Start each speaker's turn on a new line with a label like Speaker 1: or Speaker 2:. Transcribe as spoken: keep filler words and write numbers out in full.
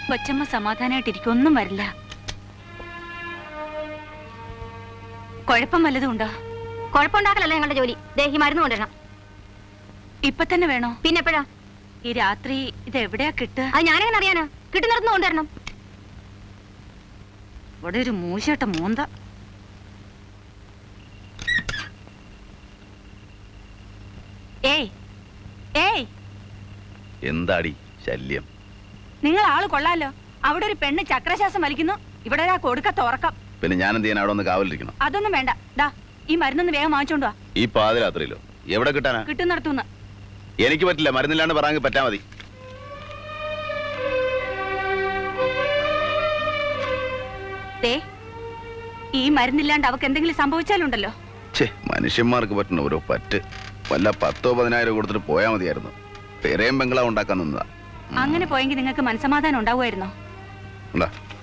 Speaker 1: കൊച്ചമ്മ സമാധാനായിട്ടിരിക്കും, ഒന്നും വരില്ല. കുഴപ്പം വല്ലതും ഉണ്ടോ?
Speaker 2: കുഴപ്പമുണ്ടാക്കലല്ല ഞങ്ങളുടെ ജോലി. ദേഹി മരുന്ന് കൊണ്ടുവരണം.
Speaker 1: ഇപ്പൊ തന്നെ വേണോ?
Speaker 2: പിന്നെ എപ്പോഴാ?
Speaker 1: ഈ രാത്രി ഇത് എവിടെയാ കിട്ടുക?
Speaker 2: അത് ഞാനെങ്ങനെ അറിയാനാ? കിട്ടുന്നിടത്തുനിന്ന് കൊണ്ടുവരണം.
Speaker 1: ഇവിടെ ഒരു മൂശട്ട മൂന്ത. ഏയ് ഏയ്,
Speaker 3: എന്താടി ശല്യം?
Speaker 1: നിങ്ങൾ ആള് കൊള്ളാലോ. അവിടെ ഒരു പെണ്ണ് ചക്രശ്വാസം വലിക്കുന്നു, ഇവിടെ ഒരാ കൊടുക്ക തുറക്കാം.
Speaker 3: പിന്നെ ഞാൻ എന്ത് ചെയ്യാൻ അവിടെ ഒന്ന് കാവലിരിക്കണം?
Speaker 1: അതൊന്നും വേണ്ട. ദാ ഈ മരുന്നൊന്ന് വേഗം വാങ്ങിച്ചോണ്ടോ.
Speaker 3: ഈ പാതിരാത്രിയിലോ? എവിടെ കിട്ടാനാ?
Speaker 1: കിട്ടുന്നിടത്തുനിന്ന്.
Speaker 3: എനിക്ക് പറ്റില്ല, മരുന്നില്ലാണ്ട് പറയാൻ പറ്റാ മതി.
Speaker 1: ദേ, ഈ മരുന്നില്ലാണ്ട് അവക്ക് എന്തെങ്കിലും സംഭവിച്ചാലുണ്ടല്ലോ.
Speaker 3: ഛേ, മനുഷ്യന്മാർക്ക് പറ്റുന്ന ഓരോ പറ്റ്. വല്ല പത്തോ പതിനായിരം കൊടുത്തിട്ട് പോയാൽ മതിയായിരുന്നു. പെരയും ബംഗ്ലാവ് ഉണ്ടാക്കാൻ നിന്നതാ.
Speaker 1: അങ്ങനെ പോയെങ്കിൽ നിങ്ങൾക്ക് മനസ്സമാധാനം ഉണ്ടാവുമായിരുന്നോ?
Speaker 3: എന്താ